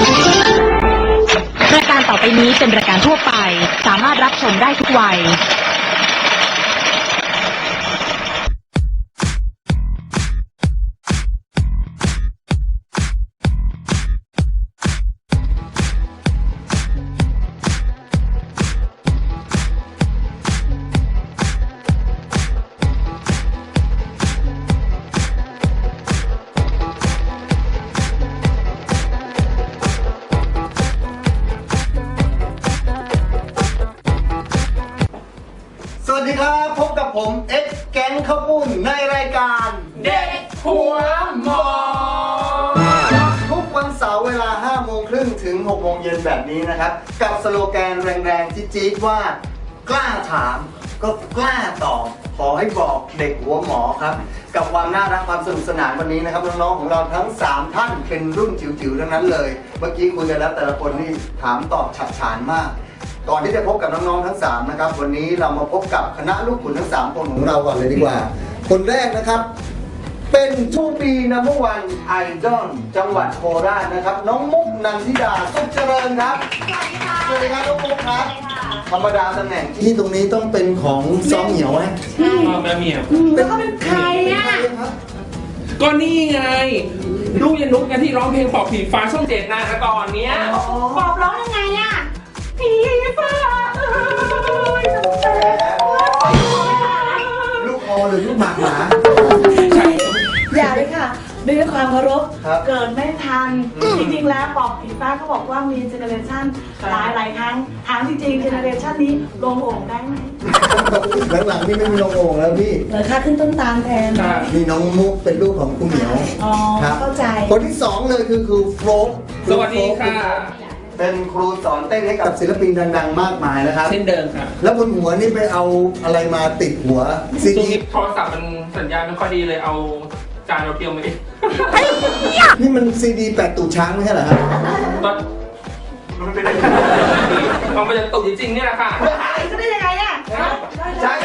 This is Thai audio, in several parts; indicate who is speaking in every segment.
Speaker 1: รายการต่อไปนี้เป็นรายการทั่วไปสามารถรับชมได้ทุกวัย
Speaker 2: สวัสดีครับพบกับผมเอ็กแก๊งข้าวปุ้นในรายการ
Speaker 3: เด็กหัวหมอ
Speaker 2: ทุกวันเสาร์เวลา 5:30 ถึง 6:00 เย็นแบบนี้นะครับกับสโลแกนแรงๆจี๊ดๆว่ากล้าถามก็กล้าตอบขอให้บอกเด็กหัวหมอครับกับความน่ารักความสนุกสนานวันนี้นะครับน้องๆของเราทั้ง3ท่านเป็นรุ่นจิ๋วๆทั้งนั้นเลยเมื่อกี้คุยกันแล้วแต่ละคนนี่ถามตอบฉับฉานมากก่อนที่จะพบกับน้องๆทั้ง3นะครับวันนี้เรามาพบกับคณะลูกขุนทั้ง3คนของเราก่อนเลยดีกว่าคนแรกนะครับเป็นทูปีนัมเบอร์วันไอดอลจังหวัดโคราชนะครับน้องมุกนันทิดาสุขเจริญครับสวัสดีครับน้องมุกครับธรรมดาตำแหน่งที่ตรงนี้ต้องเป็นของซ้อมเหนียวไหม
Speaker 3: แม่เมีย
Speaker 4: แล้วเขาเป็นใครอ่ะ
Speaker 3: ก็นี่ไงลูกยันนุกกันที่ร้องเพลงปอบผีฟ้าช่อง7นะแต่ก่อนเนี้ย
Speaker 4: ปอบร้องยังไงอ่ะผีฟ้า
Speaker 2: ลูกคอหรือลูกหมากหมา
Speaker 3: ใช่
Speaker 4: อย่าเลยค่ะด้วยความเคารพ
Speaker 2: ครับ
Speaker 4: เกิดไม่ทัน จริงๆแล้วปอบผีฟ้าเขาบอกว่ามีเจเนอเรชันหลายครั้งถามจริงๆเจเนอเรชันนี้ลงโอ่งได้ไหม
Speaker 2: หลังๆนี่ไม่มีลงโอ่งแล้วพี่
Speaker 4: เหรอคะขึ้นต้นตาลแทน
Speaker 2: นี่น้องมุกเป็นลูกของคุณเหนียว
Speaker 4: อ๋อ
Speaker 2: ครับ
Speaker 4: เข้าใจ
Speaker 2: คนที่2เลยคือครูโฟล์
Speaker 3: สวัสดีค่ะ
Speaker 2: เป็นครูสอนเต้นให้กับศิลปินดังๆมากมายนะครับ
Speaker 3: เช่นเดิมค่ะ
Speaker 2: แล้วบนหัวนี่ไปเอาอะไรมาติดหัวซี
Speaker 3: ช่วง
Speaker 2: ดี
Speaker 3: นี้โทรศัพท์มันสัญญาณไม่ค่อยดีเลยเอาจานเราเทียมมาเอง
Speaker 2: นี่มันซีดีแปดตูดช้างไม่ใช่เหรอครับ
Speaker 3: มันเป็นอะไรมันเป็นตุ่จริงๆเนี่ยแหละค่ะ
Speaker 4: ก็ได้ยังไงอ่ะ
Speaker 2: ใช่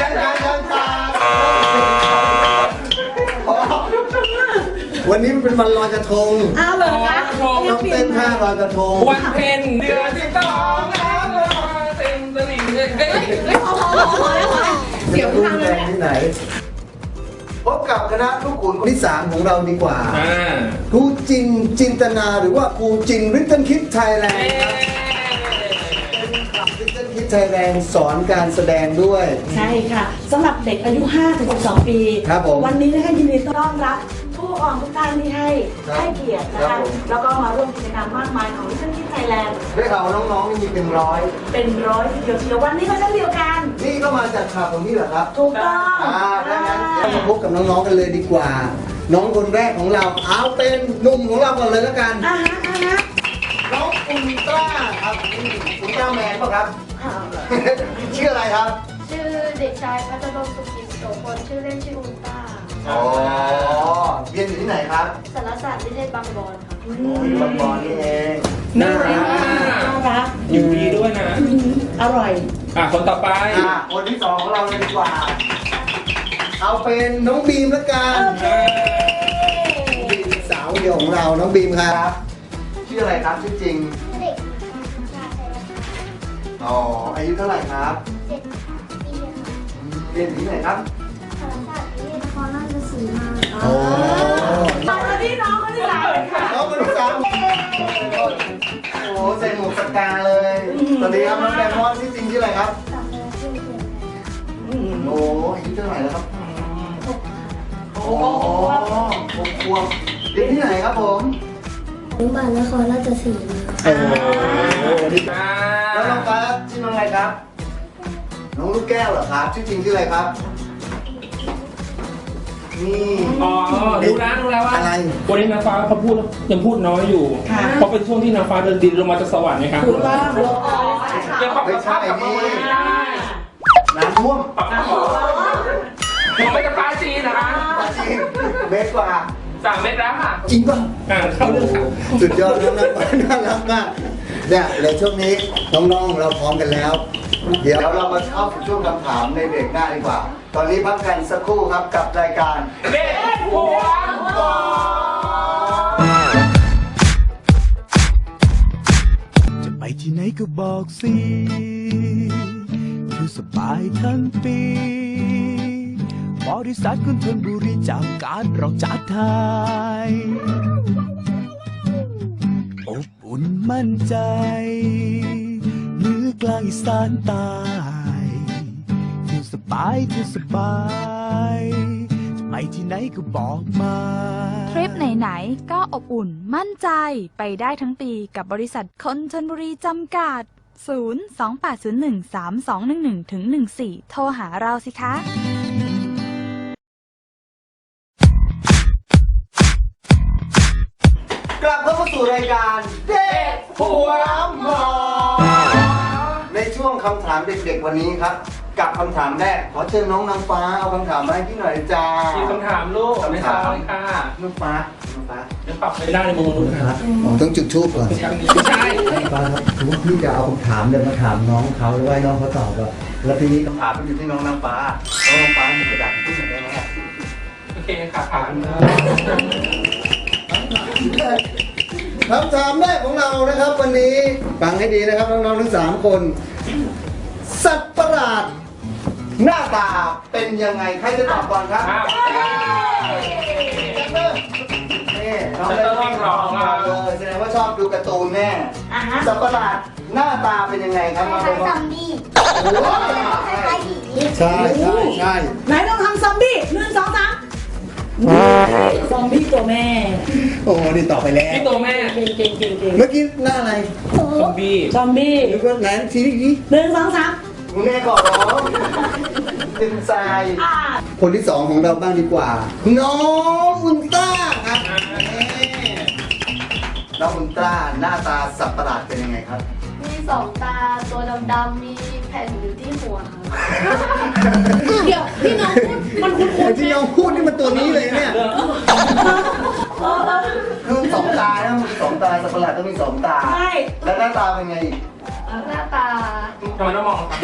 Speaker 2: วันนี้มันเป็นวันลอยกระทง
Speaker 4: อ้าวเหรอคะ
Speaker 2: ต้องเต้นท่าลอยกระทง
Speaker 3: วันเพ็ญเดือน12น้ำลอยเต็มตลิ่งเลยเฮ้ย
Speaker 4: เสียว
Speaker 2: รู้
Speaker 4: ทางเล
Speaker 2: แร
Speaker 4: ย
Speaker 2: งที่ไหนพบกับคณะลูกขุนคนที่3ของเราดีกว่า ครูจินจินตนาหรือว่าครูจินริตเติ้ลคิดไทยแลนด์ครับริตเติ้ลคิดไทยแลนด์สอนการแสดงด้วย
Speaker 4: ใช่ค่ะสำหรับเด็กอายุ 5-12 ปี
Speaker 2: ครับผม
Speaker 4: วันนี้นะคะยินดีต้อนรับผู้ปกครองทุกท่านที่ให้เกียรตินะ
Speaker 2: ครั
Speaker 4: คะ
Speaker 2: บผม
Speaker 4: แล้วก็มาร่วมกิจกรรมมากมายของลิตเติ้ลคิดไทยแลนด์
Speaker 2: ได้ข่าวว่าน้องๆนี่มีเป็นร้อย
Speaker 4: เป็นร้อยทีเดียวเชียววันนี้ก็เช่นเดียวกัน
Speaker 2: นี่ก็มาจากข่าวของนี่เหรอครับ
Speaker 4: ถูกต้อง
Speaker 2: ดังนั้นเรามาพบกับน้องๆกันเลยดีกว่า น้องคนแรกของเราเอาเป็นหนุ่มของเราก่อนเลยแล้วกัน
Speaker 4: อ่าฮะ
Speaker 2: น้องอุลตร้าครับอุลตร้าแมนป่ะครับ ชื่ออะไรครับ
Speaker 5: ชื่อเด็กชายพัฒนงสุขิตโสพลชื่อเล่นชื่ออุลตร้า
Speaker 2: อ๋อเรียนอยู่ที่ไหนครับ
Speaker 5: สารศาสตร์วิเทศบางบอนครับ
Speaker 2: บางบอนนี่เอง
Speaker 3: น่ารัก
Speaker 4: น่ารัก
Speaker 3: อยู่ดีด้วยนะ
Speaker 4: อร่อย
Speaker 3: คนต่อไป
Speaker 2: คนที่2ของเราเลยดีกว่า เอาเป็นน้องบีมละกันบีมสาวเดียวของเราน้องบีมครับชื่ออะไรครับชื่อจริง
Speaker 5: เด็กชาย
Speaker 2: อ๋ออายุเท่าไหร่ครับ
Speaker 5: 7 ปีค่ะ
Speaker 2: เรียนอยู่ที่ไหนครับ
Speaker 5: สารศาสตร์วิเทศนครราชสีมา
Speaker 2: โอ้
Speaker 4: น้องคนที่น้องคนที่สามค่ะ
Speaker 2: น้องคนที่สามโอ้โหใส่หมวกสกาเลยสวัสดีครับน้องแดมอนชื่อจริงชื่ออะไรครับ
Speaker 5: สัมเภาชื่อเขียน
Speaker 2: โอ้อายุเท่าไหร่แล้วครับ โอ้6 ขวบเรียนที่ไหนครับผม
Speaker 5: อนุบาลนครราชสีมา
Speaker 2: โอ้แล้วน้องครับชื่อน้องอะไรครับ น้องลูกแก้วเหรอครับ ชื่อจริงชื่ออะไรครับ นี่
Speaker 3: อ๋อรู้แล้วว่า
Speaker 2: อะไร
Speaker 3: วันนี้นางฟ้าเขาพูดยังพูดน้อยอยู่ เพราะเป็นช่วงที่นางฟ้าเดินดินลงมาจากสวรรค์นะครับ
Speaker 4: ถูกต้อง
Speaker 3: ยังปรับสภาพกลับมาไม่ได้
Speaker 2: น้ำท่วม
Speaker 3: ปรับสภาพผมไปกับฟ้าจีนนะคะ
Speaker 2: จริงเมตรกว่า
Speaker 3: 3 เม็ดแล้วค่ะ
Speaker 2: จริงป่ะ
Speaker 3: เข้าเรื่องค่ะ
Speaker 2: สุดยอดน้องนักน่ารักมากเนี่ยเดี๋ยวช่วงนี้น้องๆเราพร้อมกันแล้ว เดี๋ยวเรามาเข้าสู่ช่วงคำถามในเบรกหน้าดีกว่า ตอนนี้พักกันสักครู่ครับกับรายการ
Speaker 3: เด็กหัวหมอ
Speaker 6: ก็บอกสิอยู่สบายทั้งปีบริษัทคนทนบุรีจากการเราจัดทายอบอุ่นมั่นใจเหนือกลางอีสานใต้อยู่สบายอยู่สบายจะไปที่ไหนก็บอกมา
Speaker 7: ทริปไหนๆก็อบอุ่นมั่นใจไปได้ทั้งปีกับบริษัทคนชลบุรีจำกัด 028013211-14 โทรหาเราสิคะ
Speaker 2: กลับเข้ามาสู่รายการเด็กหัวหมอในช่วงคำถามเด็กๆวันนี้ครับ กับคำถามแรกขอเชิญน้องนางฟ้าเอาคำถามมาให้พี่หน่อยจ้า
Speaker 3: มีคำถามลูกไม่ทราบเลยค่ะ
Speaker 2: น้องฟ้า
Speaker 3: เดี๋ยวปรับไม่ได้ในมุมนู้นครับ
Speaker 2: ต้องจุดทูบก่อน
Speaker 3: ไม่ใช่
Speaker 2: ฟ้าครับถือว่าพี่จะเอาคำถามเดินมาถามน้องเขาหรือว่าน้องเขาตอบอะแล้วทีนี้คำถามมันอยู่ที่น้องนางฟ้าน้องนางฟ้ามีกระดาษที่ไหนได้ไหม
Speaker 3: โอเคค่ะผ่าน
Speaker 2: คำถามแรกของเรานะครับวันนี้ฟังให้ดีนะครับน้องๆทั้ง3คนสัตว์ประหลาดหน้าตาเป็นยังไงใครจะตอบก่อนครับนี่น้องได้วิ่งรอเลยแสดงว่าชอบดูการ์ตูนแน่สัตว์ประหลาดหน้าตาเป็นยังไงครับน้อง
Speaker 5: คล้าย
Speaker 2: บ
Speaker 5: ๆ
Speaker 2: อ
Speaker 5: ซั
Speaker 2: ล
Speaker 5: มบี้
Speaker 2: โอ้โห
Speaker 5: คล้ายๆผี
Speaker 2: ใช่ใช่ใช่
Speaker 4: ไหนต้องทำซอมบี้1 2 3ซอมบี้ตัวแม่
Speaker 2: โอ้โหนี่ตอบไปแล้ว
Speaker 3: พี่ตัวแม่
Speaker 4: เก่ง
Speaker 2: เมื่อกี้หน้าอะไร
Speaker 3: ซอมบี้
Speaker 4: ซอมบี้
Speaker 2: นึกว่าไหนทีนี้
Speaker 4: 1 2 3
Speaker 2: คุณแม่ก่อนเหรอเป็นทรายคนที่2ของเราบ้างดีกว่า น้องอุลตร้าครับน้องอุลตร้าหน้าตาสับประหลาดเป็นยังไงครับ
Speaker 5: มี2 ตาตัวดำๆมีแผ่นอยู่ที่หัวครับ
Speaker 4: เดี๋ยวที่น้องพูดมันคุ้น
Speaker 2: ไอ้ที่น้องพูดนี่มันตัวนี้เลยเนี่ยคือ2 ตานะมัน2 ตาสับประหลาดต้องมี2 ตา
Speaker 4: ใช่
Speaker 2: แล้วหน้าตาเป็นไงอีก
Speaker 5: หน้าตา
Speaker 3: ทำไมต้องมองครับ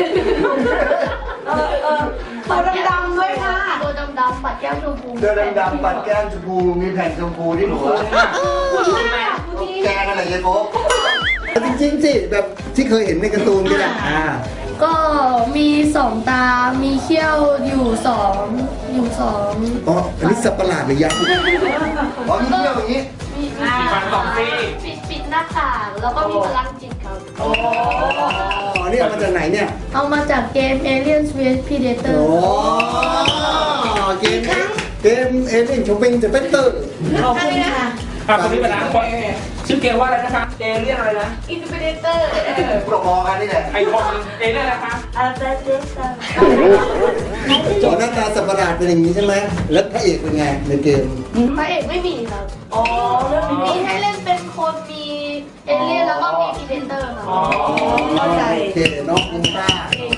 Speaker 4: ตัวดำๆด้วยค่ะ
Speaker 5: ตัวดำๆปัดแก้มชมพู
Speaker 2: เสื้อดำๆปัดแก้มชมพูมีแผ่นชมพูที่หัว
Speaker 5: คุณแม่คุณพี่
Speaker 2: แกนั่นแหละยายโป๊ะจริงๆสิแบบที่เคยเห็นในการ์ตูนก็ได้
Speaker 5: ก็มี 2 ตา มีเขี้ยวอยู่2
Speaker 2: อ๋ออันนี้สับประหลาดหรือยักษ์อ๋อมีเที่ยวอย่างนี้
Speaker 5: มี
Speaker 3: ฟัน2 ซี่
Speaker 5: ปิดหน้าต่างแล้วก็มีพลังจิตครับ
Speaker 2: อ๋อนี่เอามาจากไหนเนี่ย
Speaker 5: เอามาจากเกม Aliens vs Predator
Speaker 2: โอ้เกมเอเลี่ยนชมปิงจะเป็นเตอร์
Speaker 4: ขอบคุณค่ะ
Speaker 3: ครับตอนนี้เวลาชื่อเกมว่าอะไรนะคะเอเลี่ยนอะไรนะ
Speaker 5: Predator
Speaker 2: พวกมอกันนี่แหละ
Speaker 3: ไอคอนเอเลี่ยนอะไรคะ
Speaker 2: จอหน้าตาสับประหลาดเป็นอย่างนี้ใช่ไหมแล้วพระเอกเป็นไงในเกม
Speaker 5: พระเอกไม่มีครับ
Speaker 4: อ๋อเรื่องนี้
Speaker 5: มีให้เล่นเป็นคนมีเอเลี่ยนแล้วก็มีพีเดเตอร์ครับ
Speaker 4: เข้าใจ
Speaker 2: โอเคน้องอุลตร้า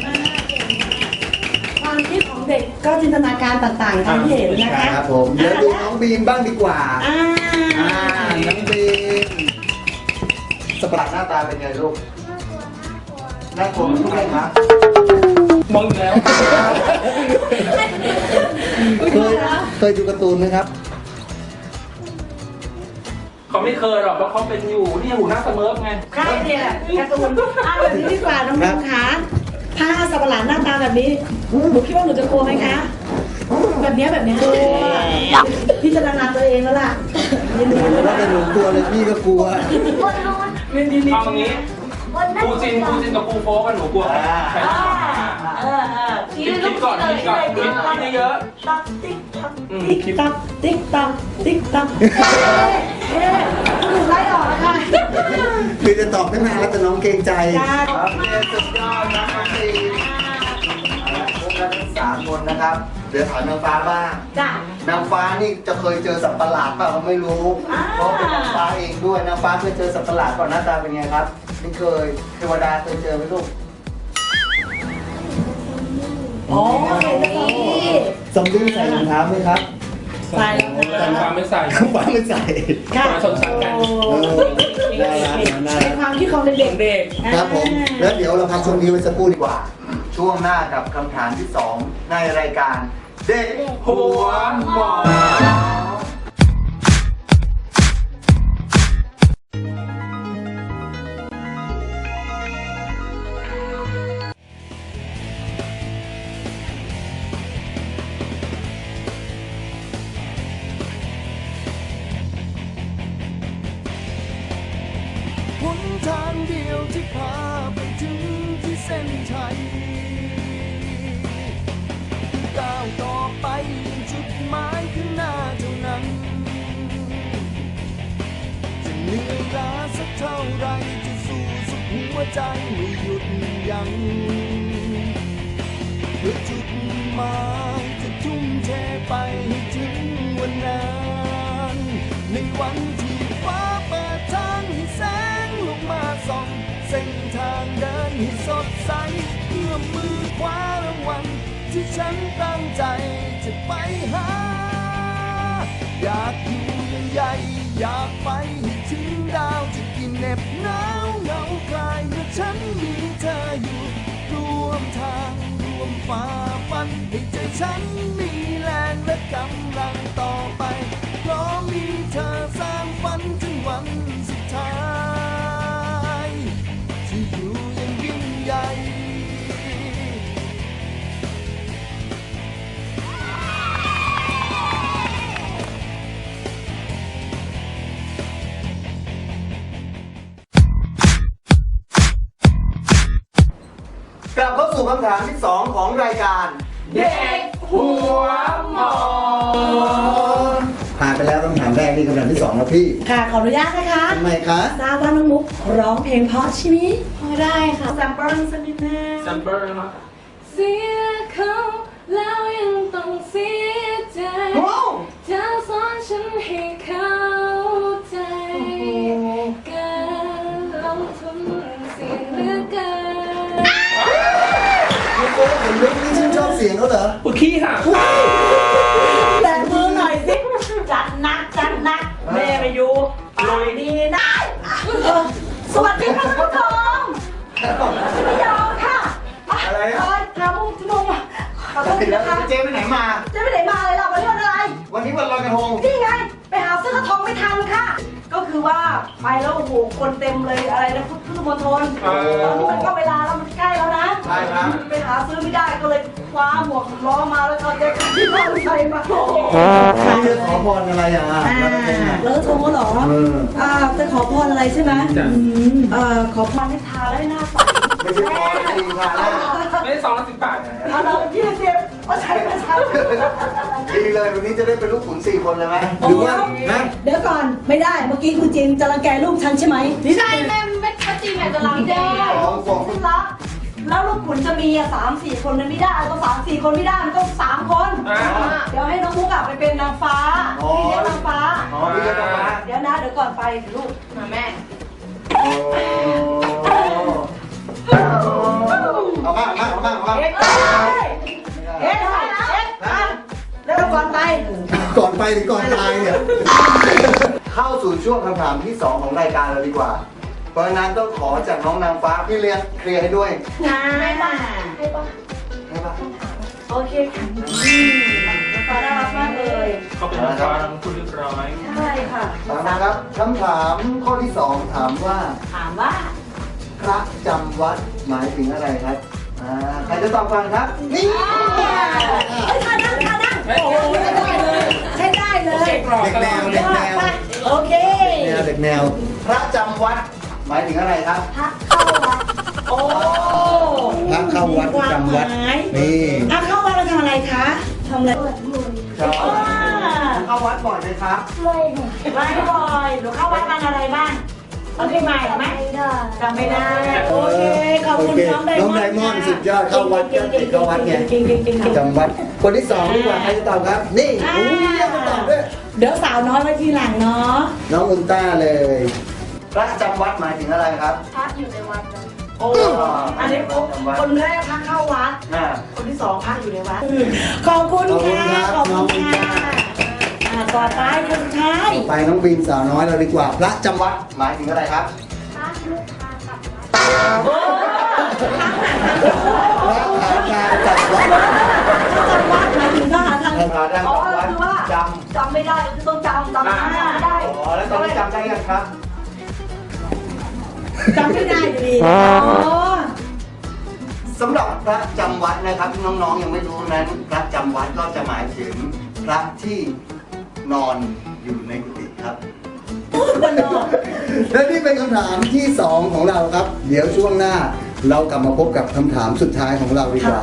Speaker 4: ความคิดของเด็กก็จินตนาการต่างๆทำให้เห็นนะคะ
Speaker 2: ครับผมเดี๋ยวดูน้องบีมบ้างดีกว่า
Speaker 4: อ่า
Speaker 2: น้องบีมสับประหลาดหน้าตาเป็นไงลูกน่ากลัวทุกอย่างครับ
Speaker 3: มองอยู่แล้ว
Speaker 2: เคยดูการ์ตูนไหมครับ
Speaker 3: เขาไม่เคยหรอกเพราะเขาเป็นอยู่นี่หูหน้าเสมอไง
Speaker 4: ใช่เนี่ยการ์ตูนแบบนี้ดีกว่าน้องๆคะถ้าสัตว์ประหลาดหน้าตาแบบนี้หนูคิดว่าหนูจะกลัวไหมคะ แบบนี้พี่จะนาตัวเองแล้วล่ะยินดีด้วย
Speaker 2: แล้วแต่หนูกลัวเลยพี่ก็กลัว
Speaker 5: บนนู้น
Speaker 4: ยินดี
Speaker 3: เอาอย่างนี้
Speaker 5: บนนั้น
Speaker 3: ครูจินกับครูโฟกันหนูกลัวไหมใครชอบ คิดก่อนคิดเยอะ
Speaker 4: ตักติ๊กตักติ๊กตักติ๊กตักติ๊กตักหนูไล่ออกแล้วค่ะ
Speaker 2: คือจะตอบตั้งนานแล้วแต่น้องเกรงใจ
Speaker 4: จ้า
Speaker 2: ครับเรียนสุดยอดนะน้องบีพวกเราทั้ง3 คนนะครับ เดี๋ยวถามนางฟ้าบ้าง
Speaker 4: จ้าน
Speaker 2: างฟ้านี่จะเคยเจอสัตว์ประหลาดเปล่าก็ไม่รู้ เพราะเป็นนางฟ้าเองด้วย นางฟ้าเคยเจอสัตว์ประหลาดก่อนหน้าตาเป็นไงครับไม่เคย เทวดาเคยเจอไหมลูก
Speaker 4: อ๋อเป็นแบบนี้
Speaker 2: ซอมบี้ใส่รองเท้าไหมครับ
Speaker 4: ใส่
Speaker 3: แต่ฟ้าไม่ใส่
Speaker 2: นางฟ้าไม่ใส่
Speaker 4: ค่ะ
Speaker 3: ชนชั้นกัน
Speaker 2: น่ารักน่า
Speaker 4: เป็
Speaker 2: รั
Speaker 4: น
Speaker 2: ก
Speaker 4: ความคิดของเด็ก
Speaker 3: เด็ก
Speaker 4: ๆ
Speaker 2: ครับผม แล้วเดี๋ยวเราพักช่วงนี้ไว้สักครู่ดีกว่า ช่วงหน้ากับคำถามที่ 2 ในรายการเด็ก
Speaker 3: หัวหมอ
Speaker 6: หนทางเดียวที่พาไปถึงที่เส้นชัยก้าวต่อไปยังจุดหมายข้างหน้าเท่านั้นจะเหนื่อยล้าสักเท่าไรจะสู้สุดหัวใจไม่หยุดยั้งเพื่อจุดหมายจะทุ่มเทไปให้ถึงวันนั้นในวันที่ฟ้าเปิดทางให้แสงลงมาส่องเส้นทางเดินให้สดใสเอื้อมมือคว้ารางวัลที่ฉันตั้งใจจะไปหาอยากอยู่ยังใหญ่อยากไปให้ถึงดาวจะกินเหน็บหนาวเหงาคลายเมื่อฉันมีเธออยู่ร่วมทางร่วมฝ่าฟันให้ใจฉันมีแรงและกำลังต่อไปเพราะมีเธอสร้างฝันถึงวันสุดท้ายที่อยู่ยังยิ่งใหญ่
Speaker 2: กลับเข้าสู่คำถามที่ 2 ของรายการ
Speaker 3: เด็กหัวหมอ
Speaker 2: ผ่านไปแล้วคำถามแรกนี่คำถามที่ 2 แล้วพี่
Speaker 4: ค่ะขออนุญาตนะคะ
Speaker 2: ทำไมคะ
Speaker 4: ทราบว่าน้องมุกร้องเพลงเพราะใช่ไหม
Speaker 5: พอได้ค่ะ
Speaker 4: แซมเปิลสักนิดนึง
Speaker 3: ซัมเปอร์นะ
Speaker 5: เสียเขาแล้วยังต้องเสียใจ
Speaker 2: โอ้
Speaker 5: จะสอนฉันให้เข้าใจการลงทุนเสี่ยงเหลือเกิน
Speaker 2: ลูกโก้เห็นลึกนี่ชื่นชอบเสียงเขาเหรอ
Speaker 3: ปวดขี้ค่ะ
Speaker 4: แต่มือหน่อยสิ จัดหนักจัดหนักแม่ไปอยู่ปากดีนะสวัสดีค่ะท่านผู้ชมไม่ยอมค่ะ
Speaker 2: อะไรอะ
Speaker 4: ถามมุกชั่วโมงขอโทษนะคะ
Speaker 2: เจ๊ไปไหนมา
Speaker 4: เจ๊ไปไหนมาเลยล่ะวันนี้วันอะไร
Speaker 2: วันนี้วันลอยกระทง
Speaker 4: นี่ไง ไปหาซื้อกระทงไม่ทันค่ะ ก็คือว่าไปแล้วโอ้โหคนเต็มเลยอะไรนะพุทธมณฑลตอนนี้มันก็เวลาแล้วมันใกล้แล้วนะ
Speaker 2: ใช่ครับ
Speaker 4: ไปหาซื้อไม่ได้ก็เลยคว้าหมวกล้อมาแล้วก็เจ๊ที่บ้านใส่มา
Speaker 2: พี่จะขอพรอะไรอ่ะลอยกระทงอ่ะ
Speaker 4: แล้วโทรเหรอ จะขอพรอะไรใช่ไหม
Speaker 3: จ้ะ
Speaker 4: ขอพรให้ทาได้หน้าใส
Speaker 2: ไม่ใช่พรจริงค่ะนะ
Speaker 3: ไม่ได้210 บาท
Speaker 4: เอาเรา20เอาใช้ไม่ใช้
Speaker 2: ดีเลยวันนี้จะได้เป็นลูกขุน4 คนเลยไหมหรือว่านะ
Speaker 4: เดี๋ยวก่อนไม่ได้เมื่อกี้คุณจินจะรังแกลูกฉันใช่ไหม
Speaker 5: ใช่แม่ไม่จริงแม่จะรังแก
Speaker 4: คุณรักแล้วลูกขุนจะมี3-4 คนมันไม่ได้ต้อง3-4 คนไม่ได้มันต้อง3 คน เดี๋ยวให้น้องมุกไปเป็นนางฟ้าพี่เลี้ยงนางฟ้า
Speaker 2: อ๋อพี่เลี้ยงนางฟ้า
Speaker 4: เดี๋ยวนะเดี๋ยวก่อนไปลูก
Speaker 5: มาแม่
Speaker 2: โอ้เอามาเอามาเอามา
Speaker 4: เอ๊ะแล้วก่อนไป
Speaker 2: ก่อนไปหรือก่อนตายเนี่ย เข้าสู่ช่วงคำถามที่ 2 ของรายการเราดีกว่า เพราะฉะนั้นต้องขอจากน้องนางฟ้าพี่เลี้ยงเคลียร์ให้ด้วย
Speaker 4: ให้ป่ะ
Speaker 2: ให้ปะ
Speaker 4: โอเคค่ะฟ้าน่ารักมากเลย
Speaker 3: เขาเป็นนักการคุณเรียบร้อย
Speaker 4: ใช่ค่ะ
Speaker 2: ถามนะครับคำถามข้อที่ 2 ถามว่า
Speaker 4: ถามว่า
Speaker 2: พระจำวัดหมายถึงอะไรครับใครจะตอบก่อนครับนี่
Speaker 4: เฮ้ยท่านั่งโอ้โหใช้ได้เลยใช้ได้เลย
Speaker 3: เด็กหล่อ
Speaker 2: เด็ก
Speaker 3: ตล
Speaker 2: แน
Speaker 3: อ
Speaker 2: ว
Speaker 3: ด
Speaker 2: เด็กแนว
Speaker 4: โอเค
Speaker 2: เด็กแนวพระจำวัดหมายถึงอะไรครับ
Speaker 4: พักเข้าวัดโอ้
Speaker 2: พระเข้าวัดจำวัดนี่
Speaker 4: พักเข้าวัดเราทำอะไรคะทำอะไร
Speaker 2: ครับเข้าวัดบ่อยไหมครับ
Speaker 4: ไม่บ่อยหนูเข้าวัดวันอะไรบ้างเอาเพลงใหม่ไหมจำไม่ได้โอเคขอบคุณน้องไดมอนด์
Speaker 2: น้องไดมอนด์สุดยอดเข้าวัดก็ติดเข้าวัดไง
Speaker 4: เก่งๆ
Speaker 2: จำวัดคนที่ 2 ดีกว่าใครจะตอบครับ นี่อุ้ยเรียกมาตอบด้วย
Speaker 4: เดี๋ยวสาวน้อยไว้ทีหลังเนาะ
Speaker 2: น้องอุลตร้าเลย พระจำวัดหมายถึงอะไรครับ
Speaker 5: พักอยู่ในวัดนะ
Speaker 4: โอ้อันนี้คนแรกพักเข้าวัด
Speaker 2: อ่า
Speaker 4: คนที่ 2พักอยู่ในวัดขอบคุณค่ะขอบคุณค่ะต่อไปคนสุดท้าย
Speaker 2: ไปน้องบีมสาวน้อยเราดีกว่า พระจำวัดหมายถึงอะไรครับ
Speaker 5: พักลูกค้ากลับวัด
Speaker 2: พระหาการจัดวัด
Speaker 4: จำวัดหมายถึงก็หาทาง
Speaker 2: พระหาการ
Speaker 4: อ๋อ
Speaker 2: จัดวัด
Speaker 4: คือว่า
Speaker 2: จ
Speaker 4: จำไม่ได้คือต้องจำไม่ได้
Speaker 2: ำอ๋อแล้วตอนนี้จำได้ยังครับ
Speaker 4: จำไม่ได้อยู่ดีอ๋อ
Speaker 2: สำหรับพระจำวัดนะครับที่น้องๆยังไม่รู้นั้นพระจำวัดก็จะหมายถึงพระที่นอนอยู่ในกุฏิครับ
Speaker 4: คนนอน
Speaker 2: และนี่เป็นคำถามที่ 2 ของเราครับ เดี๋ยวช่วงหน้าเรากลับมาพบกับคำถามสุดท้ายของเราดีกว่า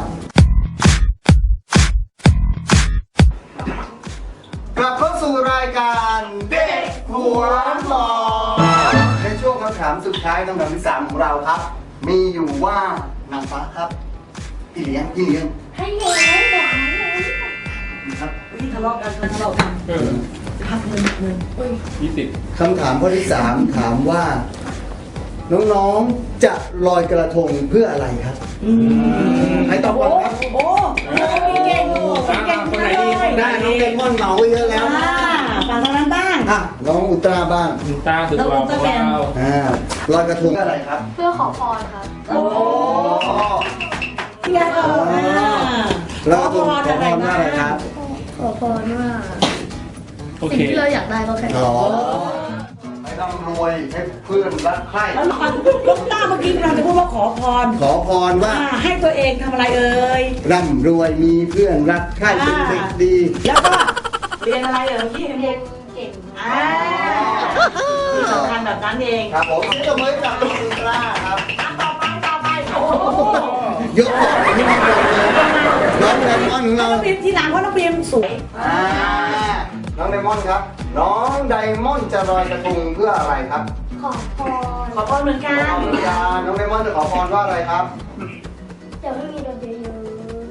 Speaker 2: กลับเข้าสู่รายการเด็กหัวหมอในช่วงคำถามสุดท้ายคำถามที่ 3 ของเราครับ มีอยู่ว่านางฟ้าครับพี่เลี้ยง
Speaker 5: ให้เงินหวาน
Speaker 2: ครับ
Speaker 4: นี่ทะเลาะกันพักเงิน
Speaker 3: 20
Speaker 2: คำถามข้อที่ 3 ถามว่า น้องๆจะลอยกระทงเพื่ออะไรครับใครตอบก่อนครับ
Speaker 4: โอ้มีเก่งเก่ง
Speaker 3: คนไหนดี
Speaker 2: ได้น้องเดมอนเหมาไปเยอะแล้ว
Speaker 4: ฝั่งทางนั้นบ้าง
Speaker 2: อ่ะน้องอุลตร้าบ้าง
Speaker 3: คุณตาสุดหล่อของเรา
Speaker 2: ลอยกระทงเพื่ออะไรครับ
Speaker 5: เพื่อขอพรครับ
Speaker 4: โอ้พี่ยาเออ
Speaker 2: ลอยกระทงขอพรว่าอะไรครับ
Speaker 5: ขอพรว่า
Speaker 3: โอเค
Speaker 5: สิ่งที่เราอยากได้ก็แค่
Speaker 2: อ๋อให้ร่ำรวยให้เพื่อนรักใคร่
Speaker 4: แล้วลูกต้าเมื่อกี้เราจะพูดว่าขอพร
Speaker 2: ขอพรว่า
Speaker 4: ให้ตัวเองทำอะไรเอ่ย
Speaker 2: ร่ำรวยมีเพื่อนรักใคร่เป็นเด็กดี
Speaker 4: แล้วก็เรียนอะไรเอ่ยพี่เรียน
Speaker 5: เก่ง
Speaker 4: ที่สำคัญแบบนั้นเอง
Speaker 2: ครับผมนี่ก็เหมือนกับน้องอุลตร้าครับ
Speaker 4: ต่อไปโอ้โห
Speaker 2: ยกของที่มันเลยน้องไดมอนด์ของเรา
Speaker 4: น้องบีมทีหลังเพราะน้องบีมสวย
Speaker 2: น้องไดมอนด์ครับ น้องไดมอนด์จะลอยกระทงเพื่ออะไรครับ
Speaker 5: ขอพร
Speaker 4: ขอพรเหมือนกัน
Speaker 2: น้องไดมอนด์จะขอพรว่าอะไรครับ
Speaker 5: เดี๋ยวไม่มีโดนเยอะ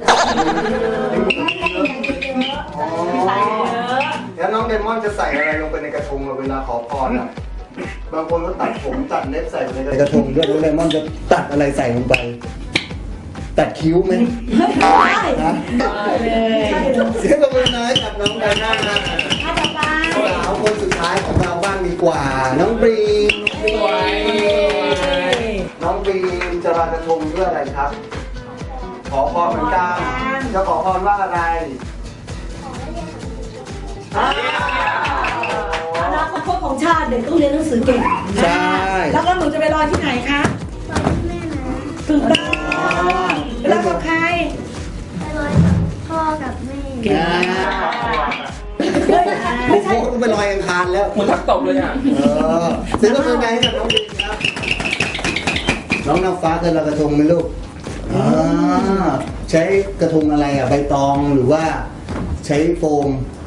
Speaker 2: อ๋อแล้วน้องไดมอนด์จะใส่อะไรลงไปในกระทงเวลาขอพรอ่ะ บางคนก็ตัดผมตัดเล็บใส่ไปในกระทงด้วยน้องไดมอนด์จะตัดอะไรใส่ลงไป ตัดคิ้วไหม
Speaker 4: ใช่
Speaker 2: นะ
Speaker 4: เลย
Speaker 2: เสียงปรบมือน้อยกับน้องไดมอนด์นะ
Speaker 4: ถ้าต่อไป
Speaker 2: สาวคนสุดท้ายของเราบ้างดีกว่า น้องบรีม น้องบรีมจะลอยกระทงเพื่ออะไรครับ ขอพรเหมือนกันจะขอพรว่าอะไร
Speaker 4: อนาคตของชาติเด็กต้องเรียนหนังสือเก่ง
Speaker 2: ใช่
Speaker 4: แล้วก็หนูจะไปลอยที่ไหนคะ
Speaker 5: แม่นะ
Speaker 4: ถึงต้องไปลอยกับใคร
Speaker 5: ไปลอยกับพ่อกับแม่
Speaker 2: ไม่ใช่ต้องไปลอยอังคารแล้ว
Speaker 3: เหมือนทักตบเลยอ่ะ
Speaker 2: ซื้อกระทงให้กับน้องบรีมครับ น้องน้ำฟ้าเคยลอยกระทงไหมลูกใช้กระทงอะไรอ่ะ ใบตองหรือว่าใช้โฟม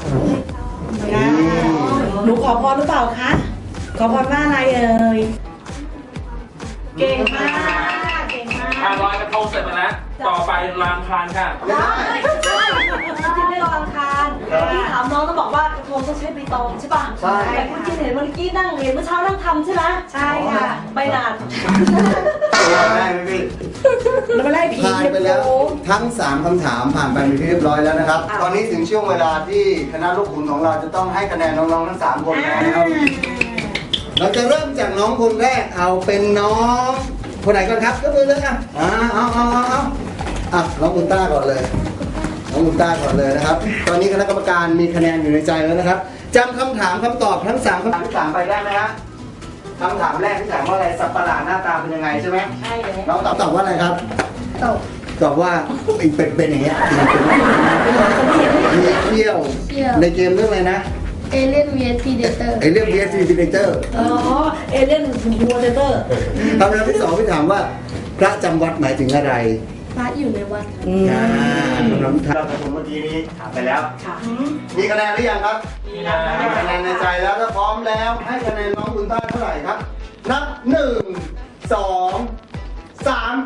Speaker 4: หนูขอพรหรือเปล่าคะ ขอพรว่าอะไรเอ่ย เก่งมาก เก่งมาก
Speaker 3: ลอยกระทงเสร็จไปแล้ว ต่อไปลานพานค่ะ
Speaker 4: ได้ใช่ที่ไม่รออังคารที่ถามน้องต้องบอกว่ากระทงต้องใช้ใบตองใช่ป่ะ
Speaker 2: ใช่
Speaker 4: แต่คุณจินเห็นเมื่อกี้นั่งเรียนเมื่อเช้านั่งทำใช่ไหมใช่ค่ะใบนาน
Speaker 2: ได้ไหมพี่
Speaker 4: แล้วมาไล่ผี
Speaker 2: ผ่านไปแล้วทั้ง 3 คำถามผ่านไปเป็นที่เรียบร้อยแล้วนะครับ ตอนนี้ถึงช่วงเวลาที่คณะลูกขุนของเราจะต้องให้คะแนนน้องๆทั้ง 3 คนแล้ว เราจะเริ่มจากน้องคนแรกเอาเป็นน้องคนไหนก่อนครับยกมือเลยอ่ะเอาน้องอุลตร้าก่อนเลย น้องอุลตร้าก่อนเลยนะครับ ตอนนี้คณะกรรมการมีคะแนนอยู่ในใจแล้วนะครับจำคำถามคำตอบทั้ง 3 คำถามที่ 3 ไปได้ไหมฮะคำถามแรกที่ถามว่าอะไรสัตว์ประหลาดหน้าตาเป็นยังไงใช่ไหม
Speaker 4: ใช่เลย
Speaker 2: น้องตอบว่าอะไรครับ
Speaker 5: ตก
Speaker 2: ตอบว่าไอ้เป็นอย่างเงี้ยมีเขี้ยวในเกมเรื่องอะไรนะ
Speaker 5: เอเลี่ยน vs Predator
Speaker 2: ไอ้เรื่อง VS Predator
Speaker 4: อ๋อ เอเลี่ยนวัวเตอร์
Speaker 2: คำถามที่ 2พี่ถามว่า พระจำวัดหมายถึงอะไร
Speaker 5: พระอยู่ในวัด
Speaker 2: คำถามที่เราเมื่อกี้นี้ถามไปแล้ว
Speaker 4: ค่ะ
Speaker 2: มีคะแนนหรือยังครับ มีคะแนนในใจแล้วถ้าพร้อมแล้วให้คะแนนน้องอุลตร้าเท่าไหร่ครับ นับ 1 2 3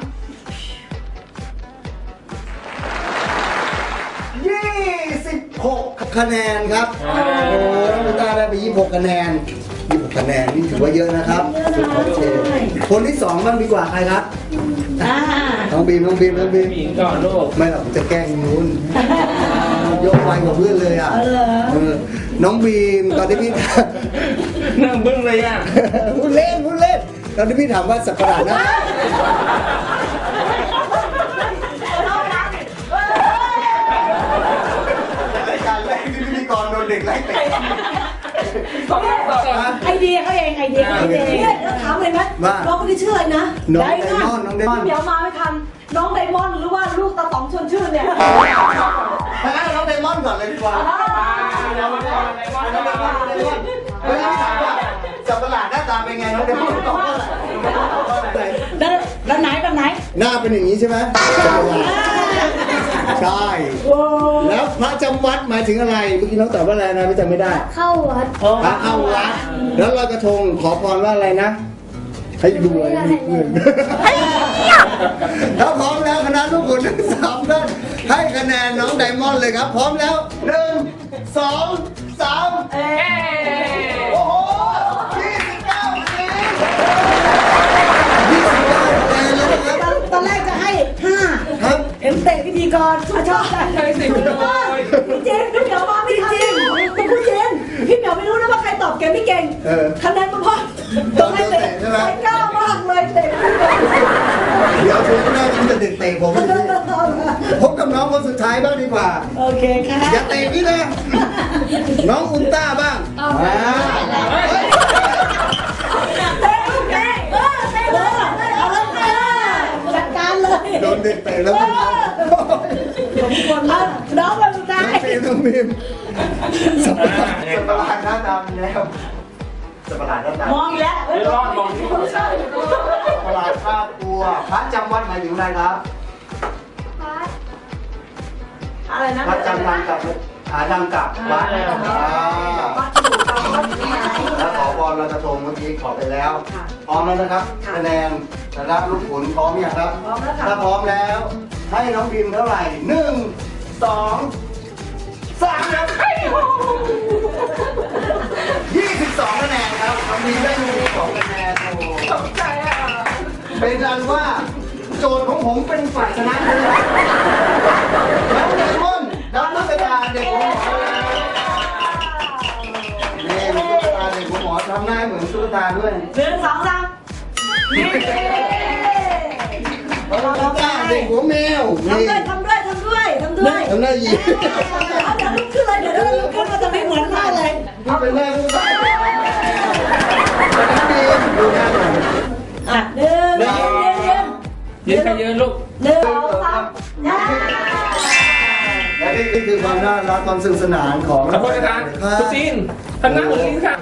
Speaker 2: 26 คะแนนครับ โอ้น้องอุลตร้าได้ไป26 คะแนน26 คะแนนนี่ถือว่าเยอะนะครับโอเคคนที่ 2 บ้างดีกว่าใครครับ น้องบีม
Speaker 3: ผู้หญิงก่อนลูก
Speaker 2: ไม่หรอกจะแกล้งนู้นยกไวกว่าเพื่อนเลยอ่ะน้องบีมตอนที่พี่
Speaker 3: นั่งบึ้งเลยอ่ะ
Speaker 2: พูดเล่นตอนที่พี่ถามว่าสัตว์ประหลาดนะรายการแรกที่พิธีกรโดนเด็กไล่เตะ
Speaker 4: ไอเดียเขาเองเนี่ยเราถามเลยไหมน้องคนที่ชื่ออะไรนะ
Speaker 2: น้องไดมอนด์
Speaker 4: เดี๋ยวมาไม่ทัน น้องไดมอนด์หรือว่าลูกตาต๋องชวนชื่อเนี่ย
Speaker 2: น้องไดมอนด์ก่อนเลยดีกว่าน้องไดมอนด์เวลาถามว่าสัตว์ประหลาดหน้าตาเป็นไงน้องเดมอนตอบว่าอะไร
Speaker 4: แล้วไหนแบบไหน
Speaker 2: หน้าเป็นอย่างนี้ใช่ไหมใช่แล้วพระจำวัดหมายถึงอะไรเมื่อกี้น้องตอบว่าอะไรนะไม่จำไม่ได้
Speaker 5: เข้าวัด
Speaker 2: พระเข้าวัดแล้วลอยกระทงขอพรว่าอะไรนะให้รวยมีเงินถ้าพร้อมแล้วคณะลูกขุนทั้งสามท่านให้คะแนนน้องไดมอนด์เลยครับ พร้อมแล้ว1 2 3โอ้โห29คะแนน29คะแนนเลยนะครับ
Speaker 4: ตอนแรกจะให้ 5
Speaker 2: ครับ
Speaker 4: เอ็มเตะพิธีกรชอบใจ
Speaker 3: ใช่สิ
Speaker 4: พี่เจนพี่เหมียวมาไม่ทันจริงแต่พูดเจนพี่เหมียวไม่รู้นะว่าใครตอบเก่งไม่เก่งคะแนนมันพอต้องให้เตะใจกล้ามากเลยเตะ
Speaker 2: เดี๋ยวช่วงหน้าจะเตะผมพบกับน้องคนสุดท้ายบ้างดีกว่า
Speaker 4: โอเคค่ะ
Speaker 2: อย่าเตะพี่นะน้องอุลตร้าบ้าง
Speaker 4: เตะเอาแล้วจัดการเลย
Speaker 2: โดนเด็กเตะแล้วมัน
Speaker 4: ผมควรมากน้องแบบสุดท้าย
Speaker 2: ต้องมีสับปะรดหน้าดำแล้วสับปะรดหน้าดำ
Speaker 4: มองอีกแล้ว
Speaker 3: เดี๋ยวรอดมองที่คนชอบ
Speaker 2: สับปะรดครอบครัวพระจำวัดหมายถึงอะไรครับ
Speaker 4: อะไรนะ
Speaker 2: พระจำวัดกับจำกับวัดแล้วขอพรลอยกระทงเมื่อกี้ขอไปแล้วพร้อมแล้วนะครับคะแนนสำหรับลูกขุนพร้อมยังครับถ้าพร้อมแล้วให้น้องพิมเท่าไหร่1 2 3ครับ22คะแนนครับน้องพิมได้22คะแนนโอ้ตกใจอ่ะเป็นอันว่าโจทย์ของผมเป็นฝ่ายชนะเลยแล้วไดมอนด์ดับนักกระดาเด็กของหมอนี่มันตุ๊กตาเด็กของหมอทำหน้าเหมือนตุ๊กตาด้วย
Speaker 4: 1 2 3นี่
Speaker 2: ตุ๊กตาเด็กหัวแมวนี่
Speaker 4: ทำด้วย
Speaker 2: ทำหน้าหยี
Speaker 4: เดี๋ยวลุกขึ้นเลยเดี๋ยวลุกขึ้นมาจะไม่เหมือนมากเลย
Speaker 2: นี่เป็นแม่ตุ๊กตาดูหน้าหน่อย
Speaker 4: อ่ะเดิน
Speaker 3: ยืนใครยืนลูก
Speaker 4: 1 2 3
Speaker 2: และนี่คือความน่ารักความสนุกสนานของ
Speaker 3: ขอบคุณอาจารย์คุณจีนทำหน้าเหมือนลิงค่ะ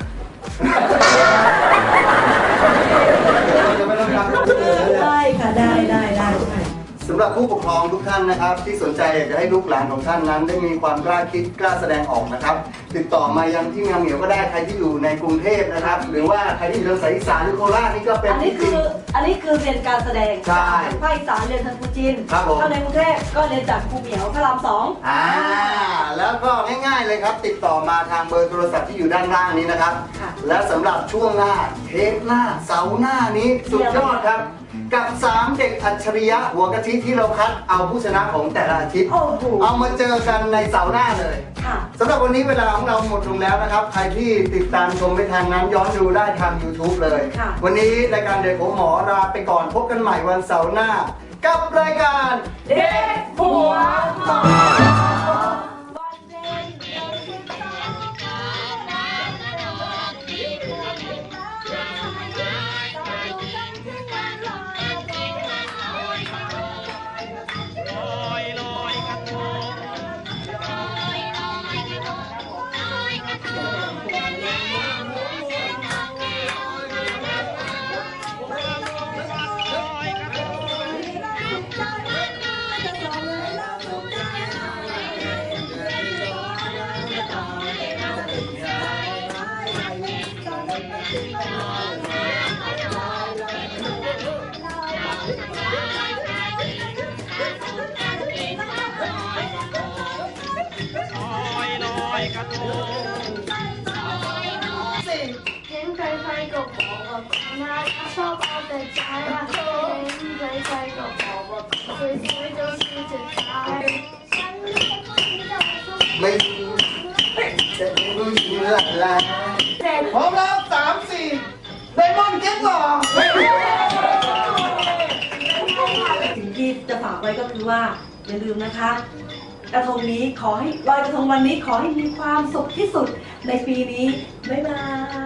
Speaker 2: จะไม่ต้องทำ
Speaker 4: ได้ค่ะได้
Speaker 2: สำหรับผู้ปกครองทุกท่านนะครับ ที่สนใจอยากจะให้ลูกหลานของท่านนั้น ได้มีความกล้าคิดกล้าแสดงออกนะครับ ติดต่อมายังที่งามเหนียวก็ได้ใครที่อยู่ในกรุงเทพนะครับ หรือว่าใครที่อยู่ทางสายอีสานหรือโคราชนี่ก็เป็น
Speaker 4: อันนี้คือเรียนการแสดง
Speaker 2: ใช่
Speaker 4: ภาคอีสานเรียนทางครูจีน
Speaker 2: ครับผม
Speaker 4: ถ้าในกรุงเทพก็เรียนจากครูเหมียวพระราม2
Speaker 2: แล้วก็ง่ายๆเลยครับ ติดต่อมาทางเบอร์โทรศัพท์ที่อยู่ด้านล่างนี้นะครับ
Speaker 4: ค่ะ
Speaker 2: และสำหรับช่วงหน้าเทปหน้าเสาร์หน้านี้สุดยอดครับ กับ 3 เด็กอัจฉริยะหัวกะทิที่เราคัดเอาผู้ชนะของแต่ละอาทิตย์
Speaker 4: โอ้โห
Speaker 2: เอามาเจอกันในเสาร์หน้าเลย
Speaker 4: ค่ะ
Speaker 2: สำหรับวันนี้เวลาของเราหมดลงแล้วนะครับ ใครที่ติดตามชมไม่ทันนั้นย้อนดูได้ทาง YouTube เลย
Speaker 4: ค่ะ
Speaker 2: วันนี้รายการเด็กของหมอลาไปก่อนพบกันใหม่วันเสาร์หน้า กับรายการ
Speaker 4: เด็กหัวหมอ
Speaker 5: เห็นใครๆก็บอกว่าคนน่ารักชอบเอาแต่ใจว่าเห็นใครๆก็บอกว่าสวยๆเจ้าชู้จะตายฉันไม่ได้
Speaker 2: ไม่จะรู้เชื่ออะไรพร้อมแล้ว3 4ไดมอนด์เก็ตหรอ
Speaker 4: สิ่งที่จะฝากไว้ก็คือว่าอย่าลืมนะคะ กระทงนี้ขอให้ลอยกระทงวันนี้ขอให้มีความสุขที่สุดในปีนี้ บ๊ายบาย